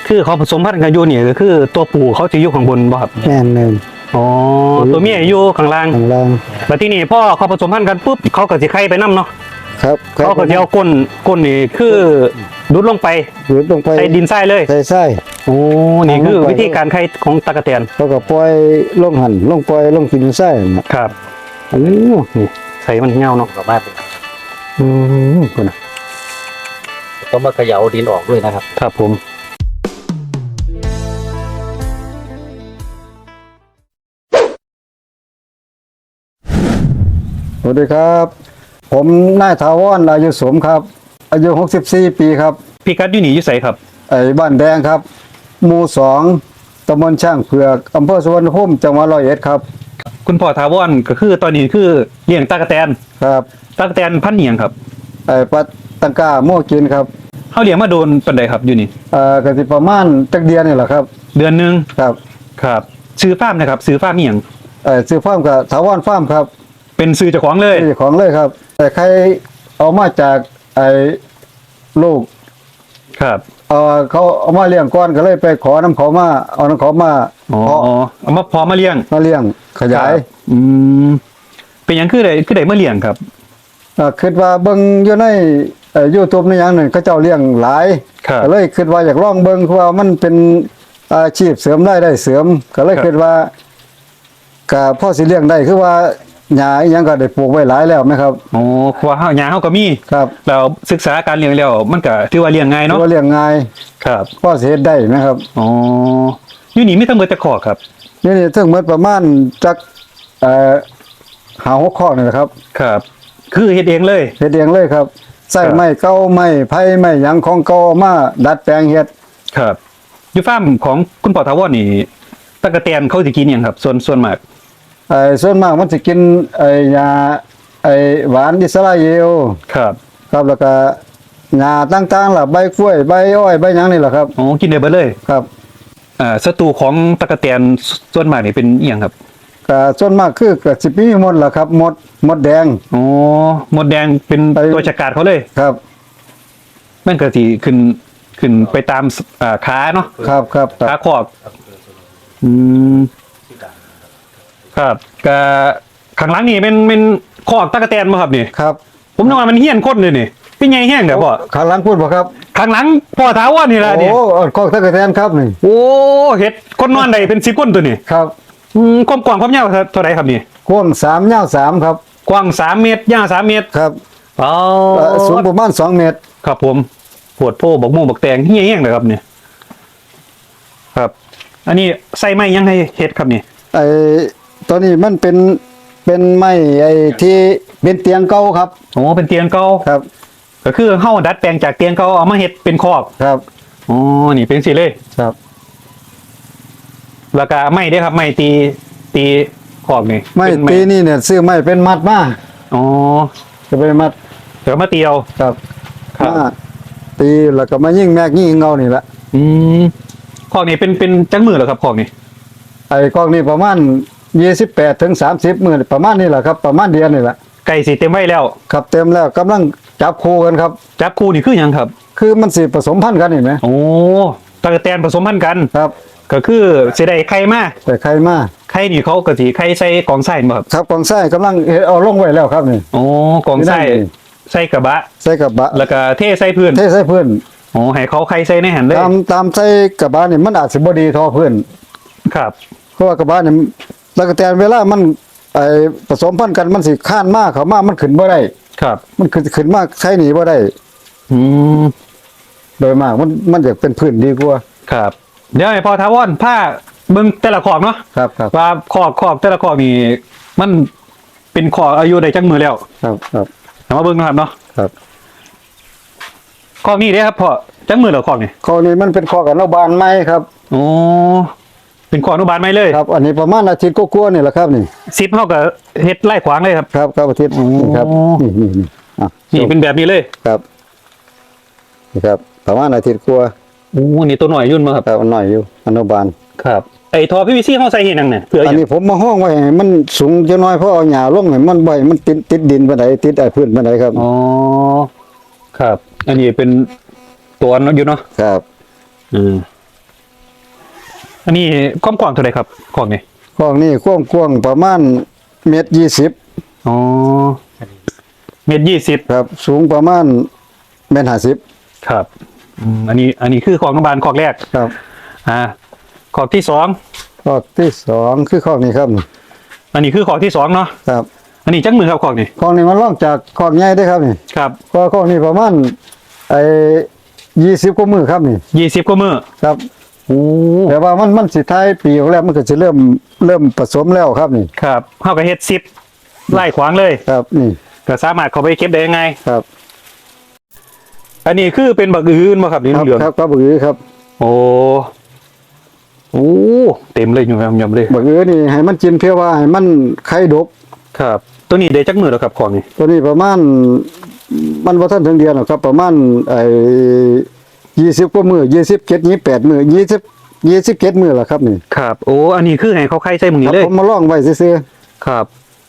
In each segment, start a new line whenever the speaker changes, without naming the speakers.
คือเขาผสมพันธุ์กันอยู่นี่ก็คือตัวผู้เขาจะอยู่ข้างบนบ่ครับ
แม่นเลย
อ๋อตัวเมียอยู่ข้างล่าง
ข้างล่าง
แล้วที่นี่พ่อเขาผสมพันธุ์กันปุ๊บเขาก็สิไข่ไปนํเนาะ
ครับ
เขาก็จะเอาก้นนี่คือดุดลงไป
หยุดลงไป
ใส่ดินทรายเลย
ใส่ไส้
โอ้นี่คือวิธีการไข่ของตะกะแตน
เขาก็ปล่อยลงหันลงปล่อยลงกินไส้นะครับ
โอ้นี่ใส่มันเงาเนาะ
สามารถ
คุณนะ
ต้องมาเขย่าดินออกด้วยนะครับ
ครับผม
สวัสดีครับ ผมนายถาวรอายุสมครับ อายุ64ปีครับ
พี่กัดอยู่นี่อยู่ไสครับ
ไอ้บ้านแดงครับหมู่2ตำบลช่างเผือกอำเภอสุวรรณภูมิจังหวัดร้อยเอ็ดครับ
คุณพ่อถาวรก็คือตอนนี้คือเลี้ยงตะกะแตน
ครับ
ตะกะแตนพันธุ์อิหยังครับ
ไอ้ปัตตังกาโมกินครับ
เฮาเลี้ยงมาโดนปานใดครับอยู่นี่
ก็สิประมาณจักเดือนนี่แหละครับ
เดือนหนึง
ครับ
ครับซื้อฟาร์มนะครับซื้อฟาร์มอีหยัง
ซื้อฟาร์มกับถาวรฟาร์มครับ
เป็นซื้อเจ้าของเลย
เจ้าของเลยครับ แต่ใครเอามาจากไอ้ลูก
ครับ
เขาเอามาเลี้ยงก่อนก็เลยไปขอน้ำเขามาเอาน้ำเขามา
อ๋อ
เพาะ
เอามาพอมาเลี้ยง
มาเลี้ยงขยาย
ครับอืมเป็นหยังคือได้มาเลี้ยงครับ
คิดว่าเบิ่งอยู่ในYouTube ในอย่างหนึ่งเขาเจ้าเลี้ยงหลาย
ครับ
ก็เลยคิดว่าอยากลองเบิ่งเพราะว่ามันเป็นอาชีพเสริมได้เสริม ก็เลยคิดว่าก็พ่อสิเลี้ยงได้คือว่าหญ้าอีหยังก็ได้ปลูกไว้หลายแล้วไหมครับ
อ๋อเพราะว่าหญ้าเฮาก็มี
ครับ
แล้วศึกษาการเลี้ยงแล้วมันก็ถือว่าเลี้ยงง่ายเนาะ
ว่าเลี้ยงง่าย
ครับ
พ่อสิเฮ็ดได้ไหมครับ
อ๋ออยู่นี่มีทั้งหมดแต่ขอกครับ
นี่ถึงหมดประมาณจัก5-6ข้อนี่แหละครับ
ครับ คือเฮ็ดเองเลย
เฮ็ดเองเลยครับใส่
ครับ
ไม้เก่าไม้ไผ่ไม้หยังของเก่ามาดัดแปลงเฮ็ด
ครับอยู่ฟาร์มของคุณพ่อถาวรนี่ตะกะแตนเขาสิกินหยังครับ ส่วนมาก
ส่วนมากมันสิกินยาหวานอิสราเอล
ครับ
ครับแล้วก็หญ้าต่างๆล่ะใบกล้วยใบอ้อยใบหยังนี่แหละครับ
อ๋อกินได้เบิดเลย
ครับ
ศัตรูของตะกะแตนส่วนมากนี่เป็นอีหยังครับ
ก็ส่วนมากคือก็สิมีหมดล่ะครับหมดแดง
อ๋อหมดแดงเป็น
ไป
ตัวจัดการเขาเลย
ครับ
มันก็สิขึ้นไปตามขาเนาะ
ครับครับค
ขา
รับ
ขอกอืมครับก็ข้างหลังนี่เป็นขอกตะกะแตนบ่ครับนี่
ครับ
ผมนึกว่ามันเฮี้ยนคนเลยนี่เป็นไงแห้งเด้อพ่อ
ข้างหลังพูดบ่ครับ
ข้างหลังพ่อถาวรนี่ล่ะนี่
โอ้กอกตะกะแตนครับนี่
โอ้เฮ็ดคนนอนได้เป็น10คนตัวนี่
ครับ
ความกว้างความยาวเท่าไหร่ครับนี่
กว้าง3ยาว3ครับ
กว้าง3เมตรยาว3เมตร
ครับ
อ๋อ
สูงประมาณ2เมตร
ครับผมปวดโพบักม่วงบักแตงเฮี้ยแห้งเลยครับเนี่ยครับ อันนี้ใส่ไม้ยังให้เฮ็ดครับนี่
ตัวนี้มันเป็นไม้ที่เป็นเตียงเก่าครับ
โอ้เป็นเตียงเก่า
ครับ
ก็คือเฮาดัดแปลงจากเตียงเก่าเอามาเฮ็ดเป็นคอก
ครับ
อ๋อนี่เป็นสิเลย
ครับ
แล้วก็ไม้เด้อครับไม้ตีคอกนี่
ไม้
เป็น
ตีนี่เนี่ยซื้อไม้เป็นมัดมา
อ๋อ
จะเป็นมัด
เดี๋ยวมาเตียว
ครับ
ครับ
มาตีแล้วก็มายิงแม็กยิงเงานี่แหละ
อืมคอกนี่เป็นจังมือเหรอครับคอกนี่
กล้องนี่ประมาณ28ถึง30มื้อประมาณนี้แหละครับ ประมาณเดือนนี่แหละ
ไก่สิเต็มไว้แล้ว
ครับเต็มแล้วกำลังจับคู่กันครับ
จับคู่นี่คือหยังครับ
คือมันสิผสมพันธุ์กันเห็นไหม
โอ้ตะกะแตนผสมพันธุ์กัน
ครับ
ก็คือสิได้ไข่มา
แต่ใครมา
ไข่นี่เขาก็สิไข่ใส่กล่องไส้บ่ครับ
ครับกองไส้กำลังเอาลงไว้แล้วครับนี่
โอ้กล่องไส้
นี่
ใส่กระบะ
ใส่กระบะ
แล้วก็เทใส่พื้น
เทใส่พื้น
โอ้ให้เขาไข่ใส่ในหันเลย
ตามใส่กระบะนี่มันอาจสิบ่ดีเทอพื้น
ครับ
เพราะว่ากระบะนี่แล้วก็แต่เวลามันผสมพันธุ์กันมันสิข้านมากเขามามันขึ้นบ่ได้
ครับ
มันขึ้นมากใช้หนีบ่ได้
อืม
โดยมากมันอยากเป็นพื้นดีกว่า
ครับ เดี๋ยวให้พอทาวอนผ้าเบิ่งแต่ละขอกเนาะ
ครับครับ
ว่าขอกแต่ละขอกนี่มันเป็นขอกอายุได้จักมือแล้ว
ครับครับ
เอามาเบิ่งนะครับเนาะ
ครับ
ขอกนี้เด้ครับพ่อจักมือแล้วขอกนี่
ข้อนี้มันเป็นข้อกับนอกบ้านไม้ครับ
โอ้เป็นขอกอนุบาลไหมเลย
ครับ อันนี้ประมาณอาทิตย์กว่าๆนี่แหละครับนี่
ซิปเฮาก็เฮ็ดไล่ขวางเลยครับ
ครับครับอาทิตย์นี่ครับนี่อ่ะ
นี่เป็นแบบนี้เลย
ครับนี่ครับประมาณอาทิตย์กว่า
โอ้นี่ตัวหน่อยยุ่นมาครับ
ครับอันหน่อยอยู่อนุบาล
ครับไอ้ท่อ PVC เฮาใส่เฮ็ดหยังเนี่ยเพื่อห
อั
ยั
น
ง
นี้ผมมาห้องไว้ให้มันสูงจะน้อยเพราะเอาหญ้าลงให้มันบ่ให้มันติดดินปานใดติดพื้นปานใดครับ
อ๋อครับ อันนี้เป็นตัวอยู่เนาะ
ครับ
อืมอันนี้ความกว้างเท่าไหร่ครับของนี่
คอกนี่กว้างๆประมาณ1.20
อ๋อ1.20
ครับ สูงประมาณ1.50
ครับอันนี้คือของน้ำบานคอกแรก
ครับ
คอกที่สอง
คอกที่สองคือคอกนี้ครับ
อันนี้คือคอกที่สองเนาะ
ครับ
อันนี้จักมือครับคอกนี่
คอกนี้มันล่องจากคอกใหญ่ได้ครับนี่
ครับ
คอกนี้ประมาณ20กว่ามือครับนี่
20 กว่ามือ
ครับ
โอ้
แต่ว่ามันสิท้ายปีออกแล้วมันก็จะเริ่มผสมแล้วครับนี่
ครับเฮาก็เฮ็ด10ไล่ขวางเลย
ครับนี่
ก็สามารถเข้าไปเก็บได้ยังไง
ครับ
อันนี้คือเป็นบักอื่นบ่ครับนี่
ครับ
เหลือง
ครับก็บือครับ
โอ้เต็มเลยอยู่ยำๆเลย
บือนี่ให้มันกินเพื่อว่าให้มันไข่ดก
ครับ ตัวนี้ได้จักมือแล้วครับของนี่
ตัวนี้ประมาณมันบ่ทันถึงเดือนหรอกครับประมาณ20กว่ามือ27 28มือ27มือล่ะครับนี่
ครับโอ้อันนี้คือให้เขาไข่ใส่หมึง
ค
นี้
รับ
เลย
ผมมาลองไว้ซื่อ
ครับ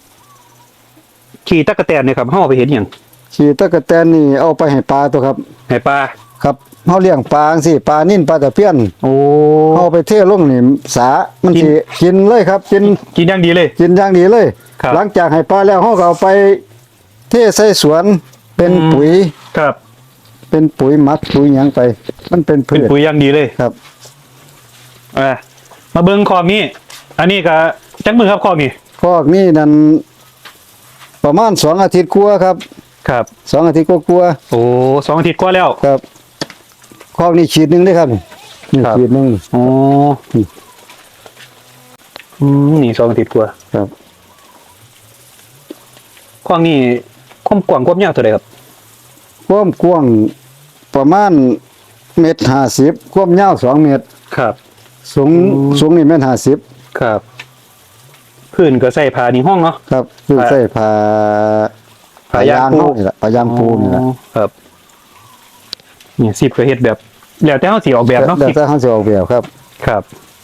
ขี่ตะกะแตนเนี่ยครับเฮาเอาไปเห็นหยัง
ๆขี้ตะกะแตนนี่เอาไปให้ปลาตัวครับ
ให้ปลา
ครับเฮาเลี้ยงปลาจังซี่ปลานิ่นปลาตะเพียน
โอ้
เฮาไปเทลงนี่สามัน
กิน
สิกินเลยครับกิน
กินอย่างดีเลย
กินอย่างดีเลย
ครับ
หลังจากให้ปลาแล้วเฮาก็เอาไปเทใส่สวนเป็นปุ๋ย
ครับ
เป็นปุ๋ยหมักปุ๋ยหยังไป มันเป็นพื
เป็น
ช
ปุ๋ยอย่างดีเลย
ครับ
มาเบิ่งคอกนี้ อันนี้ก็จักมือครับคอกนี้
พอกนี้นั่นประมาณ2 อาทิตย์กว่าครับ
ครับ
2 อาทิตย์กว่า
โอ้2 อาทิตย์กว่าแล้ว
ๆครับคอกนี้ฉีดหนึงได้ครับนี่
ครับ
ฉีดหนึง
โอ้นี่2 อาทิตย์กว่า
ครับ
คอกนี้ความกว้างความยาวเท่าไหร่ครับ
ความกว้างประมาณ1.50ความยาว2 เมตร
ครับ
สูง
อืม
สูงนี่1.50
ครับพื้นก็ใส่ผ้านี่ห้องเนาะ
ครับคือใส่ผ้า
ผ้ายางปู
เฮนี่แหละผ้ายางปูนี่แหละ
อ๋อครับเนี่ย10ก็เฮ็ดแบบแล้วแต่เฮาสิออกแบบเนาะ
แล้วแต่เขาจะออกแบบครับ
ครับ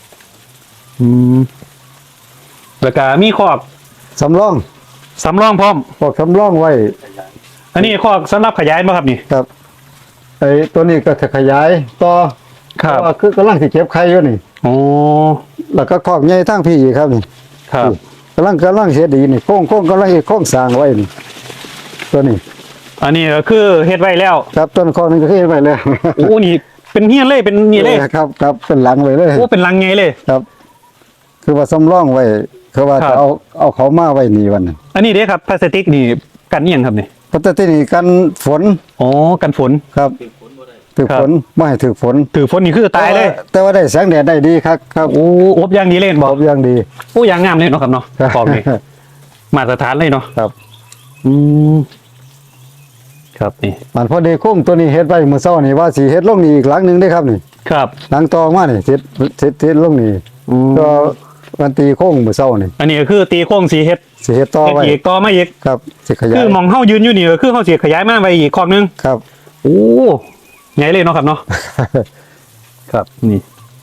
แล้วก็มีคอก
สำรอง
สำรองพร้อม
พวกสำรองไว้
อันนี้คอกสำหรับขยายบ่ครับนี่
ครับไอ้ตัวนี้ก็จะขยายต่อ
ครับ
เพาะว่าคือกำลังสิเก็บไข่อยู่นี่
โอ้
แล้วก็คอกใหญ่ทั้งพี่อีกครับนี่
ครับ
กำลังเฮ็ดดีนี่โค้งกำลังเฮ็ดโค้งสร้างไว้นี่ตัวนี้
อันนี้ก็คือเฮ็ดไว้แล้ว
ครับต้นคอกนึงก็เฮ็ดไว้แล้ว
โอ้นี่เป็นเฮียนเลยเป็นนี่เลย
ครับครับเป็นหลังไว้เลย
โอ้เป็นลังไงเลย
ครับ คือว่าสำรองไว้คือว่า
ครับ
จะเอาเขามาไว้นี่วันนั้น
อันนี้เด้ครับพลาสติกนี่กันอิหยังครับนี่
เพราะแต่ที่นี่กันฝน
อ๋อกันฝน
ครับถือ
ครับ
ฝนไม่ให้ถือฝน
ถือฝนนี่คือตายเลย
แต่ว่าได้แสงแดดได้ดีครับครับ
โอ้อบอย่างดีเลยเห็น
บบ อ
อก
กอย่างดี
โอ้ยางงามเลยเนาะครับเนาะ
ครับ
บอกนี่มาตรฐานเลยเนาะ
ครับ
อืมครับนี่
มันพอดีโค้งตัวนี้เฮ็ดไว้มื้อเช้านี่ว่าสิเฮ็ดลงนี่อีกหลังหนึงได้ครับนี่
ครับ
หลังตอมานี่เฮ็ดลงนี่
อืม
ก็วันตีโค้งมื้อเช้านี่
อันนี้ก็คือตีโค้งสีเฮ็ด
สิเฮ็ดต่อ
เฮ็ด
ไว้
อีกต่อมาอีก
ครับสิขยา
คื
ย
อมองเฮายืนอยู่นี่ก็คือเฮาสิขยายมาไปอีกคอกนึง
ครับ
โอ้ใหญ่เลยเนาะครับเนาะ ครับนี่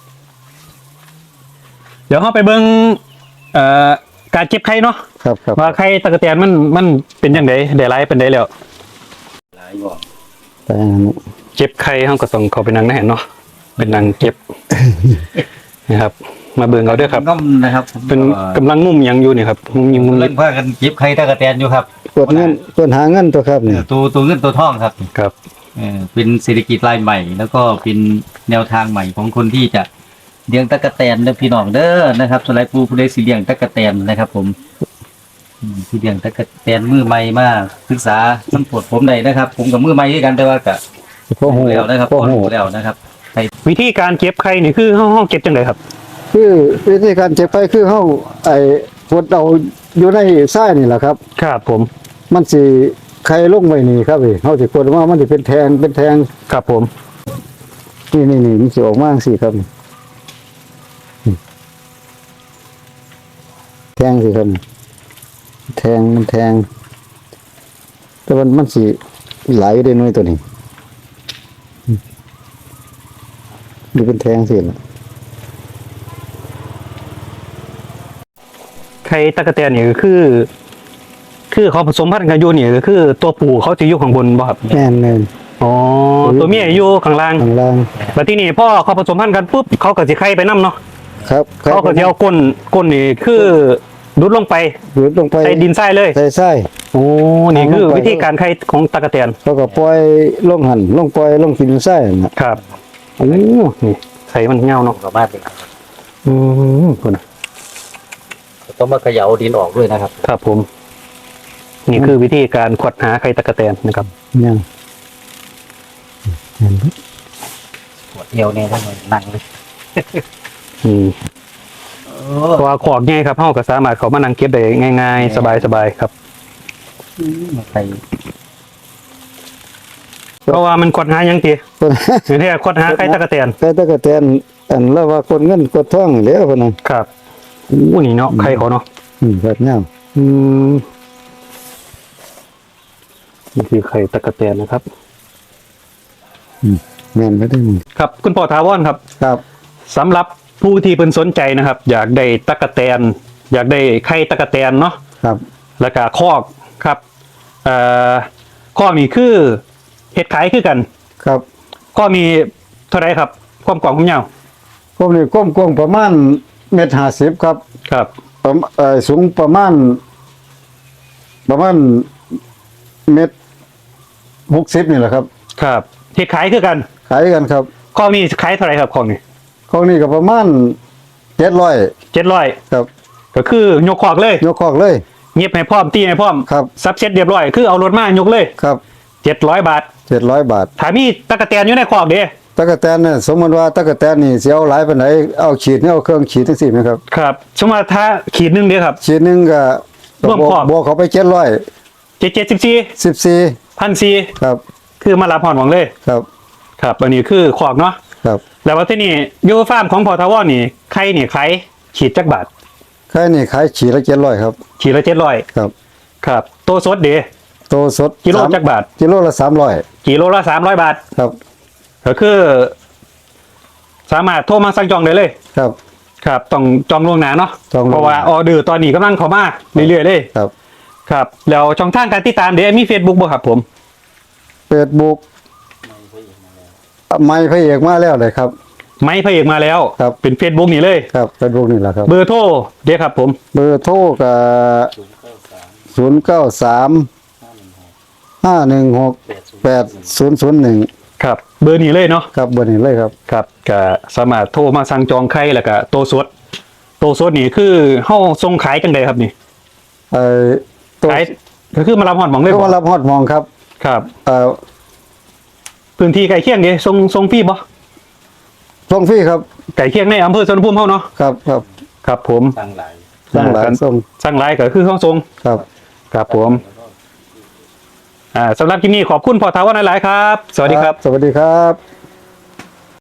เดี๋ยวเราไปเบิ่งการเก็บไข่เนาะ
ครับครับ
ว่าไข่ตะกะแตนมันเป็นยังไงได้หลายเป็นได้แล้ว
แต่อันนี้
เก็บไข่เราก็ต้องเข้าไปนั่งในแห่นเนาะเป็นนั่งเก็บ นะครับ มาเบิ่งเอาเด้อครับ
น้อมนะครับ
เป็นกำลังงุ่มหยังอยู่นี่ครับงุ่มยิงงุ่ม
เล่นพากันเก็บไข่ตะกะแตนอยู่ครับ
กดเงินกดหาเงินตัวครับนี่
ตัวเงินตัวทองครับ
ครับ
เป็นเศรษฐกิจรายใหม่ แล้วก็เป็นแนวทางใหม่ของคนที่จะเลี้ยงตะกะแตนเด้อพี่น้องเด้อนะครับสไลด์ปูผู้ใดสิเลี้ยงตะกะแตนนะครับ ผมที่เลี้ยงตะกะแตนมือใหม่มาศึกษาน้ำปวดผมได้นะครับ ผมกับมือใหม่ด้วยกันแต่ว่าก็
พ่อหู
แล้วนะครับ
พ่อ
พอ
หู
รู้แล้วนะครับ
วิธีการเก็บไข่นี่คือเฮาเก็บจังไดครับ
คือวิธีการเจ็บไปคือเฮาไอ้กดเอาอยู่ในทรายนี่แหละครับ
ครับผม
มันสิไข่ลงไว้นี่ครับเฮาสิกดว่ามันสิเป็นแทง
ครับผม
นี่มันสิออกมาจังซี่ครับนี่แทงสิครับแทงมันแทง แต่มันสิไหลได้น้อยตัวนี้ดูเป็นแทงสิล่ะ
ไข่ตะกะแตนนี่ก็คือเขาผสมพันธุ์กันอยู่นี่ก็คือตัวผู้เขาจะอยู่ข้างบนบ่ครับ
แม่น
อ๋อตัวเมียอยู่ข้างล่าง
ข้างล่าง
แล้วที่นี่พ่อเขาผสมพันธุ์กันปุ๊บเขาก็สิไข่ไปนํเนาะ
ครับ
เขาก็จะเอาก้นนี่คือดุดลงไป
หยุดลงไป
ใส่ดินทรายเลย
ใส่ไส้
โอ้นี่คือวิธีการไข่ของตะกะแตน
เขาก็ปล่อยลงหันลงปล่อยลงกินไส้นะครับ
โอ้นี่ใส่มันเงาเนาะ
สามารถเป็น
คุณนะ
ต้องมาเขย่าดินออกด้วยนะครับ
ครับผม นี่คือวิธีการขวดหาไข่ตะกะแตนนะครับ
เนี่ย
ปวดเอวเนี่ยต้องมานั่งเลย
อืมเพราะว่าขอกง่ายครับเฮาก็สามารถเขามานั่งเก็บได้ง่ายๆ สบายๆครับ
มาใส่
เพราะว่ามันขวดหายังตีอย่างที่ขวดหาไข่ตะกะแตน
ไก่ตะกะแตนอันแล้วว่าคนเงินกดท่องแล้วพะนัน
ครับโอ้นี่เนาะไข่เขาเนาะ
แบบเนี้ย
อืมนี่คือไข่ตะกะแตนนะครับ
แม่นไม่ได้มึง
ครับ คุณพ่อทาวอนครับ
ครับ
สำหรับผู้ที่เป็นสนใจนะครับ อยากได้ตะกะแตน อยากได้ไข่ตะกะแตนเนาะ
ครับ
แล้วก็คอกครับคอกนี่คือเห็ดขายคือกัน
ครับ
คอกมีเท่าไรครับ ความกว้างความยาว
ผมนี่ก้มกว้างประมาณ1.50 ครับ
ครับ
สูงประมาณ1.60 นี่แหละครับ
ครับเห็ดขายคือกัน
ขายกันครับ
คอกนี่ขายเท่าไรครับคอกนี่
ของนี่ก็ประมาณ700
700
ครับ
ก็คือยกคอกเลย
ยกคอกเลย
เงียบให้พร้อมตีให้พร้อม
ครับ
ซับเซ็ตเรียบร้อยคือเอารถมายกเลย
ครับ
700 บาท
700 บาท
ถ้ามีตะกะแตนอยู่ในคอกเด้
ตะกะแตนเนี่ยสมมติว่าตะกะแตนนี่สิเอาหลายปานไหนเอาขีดนี่เอาเครื่องขีดจังซี่ไหมครับ
ครับสมมติว่าถ้าขีดหนึงเด้ครับ
ขีดหนึงก็
ร่วมครอบ
บวกเขาไป
774
714
1,400
ครับ
คือมารับหอนหวังเลย
ครับ
ครับอันนี้คือคอกเนาะ
ครับ
แล้วว่าที่นี่ยูฟาร์มของพอทาวอนนี่ไข่นี่ไข่ขีดจักบาท
ไข่นี่ขายขีดละ700ครับ
ขีดละ700
ครับ
ครับตัวสดเด
โตสด
กิโล
สาม
จักบาท
กิโลละ300
กิโลละ300 บาท
ครับ
ก็คือ สามารถโทรมาสั่งจองได้เลย
ครับ
ครับต้องจองล่วงหน้าเนาะ
จองล่วงหน้า
เพราะว่าออเดอร์ตอนนี้กำลังเข้ามาเรื่อยๆเลย
ครับ
ครับแล้วช่องทางการติดตามเดี๋ยวมี Facebook บ่ครับผม
Facebook ไม่พระเอกมาแล้วเลยครับ
ไม้พระเอกมาแล้ว
ครับ
เป็น Facebook นี่เลย
ครับ Facebook นี่แหละครับ
เบอร์โทรเดี๋ยวครับผม
เบอร์โทรก็093 516 8001
ครับเบอร์นี้เลยเนาะ
ครับเบอร์นี้เลยครับ
ครับก็สามารถโทรมาสั่งจองไข่แล้วก็โตสดนี่คือเฮาส่งขายจังไดครับนี่
ตัว
ขายก็คือมารับหอดหมองเลย
ก็
บ่
มารับฮอดมองครับ
ครับ
เอ่อ
พื้นที่ไก่เคียงเด้ส่งฟรีบ่
ส่งฟรีครับ
ไก่เคียงในอำเภอสวนภูมิเฮาเนาะ
ครับครับ
ครับผม
ตั้งหลาย
ตั้งหลายส่ง
สั่งหลายก็คือเฮาส่ง
ครับ
ครับผมสำหรับคลิปนี้ขอบคุณพ่อทาวอนหลายๆครับ สวัสดีครับ
สวัสดีครับ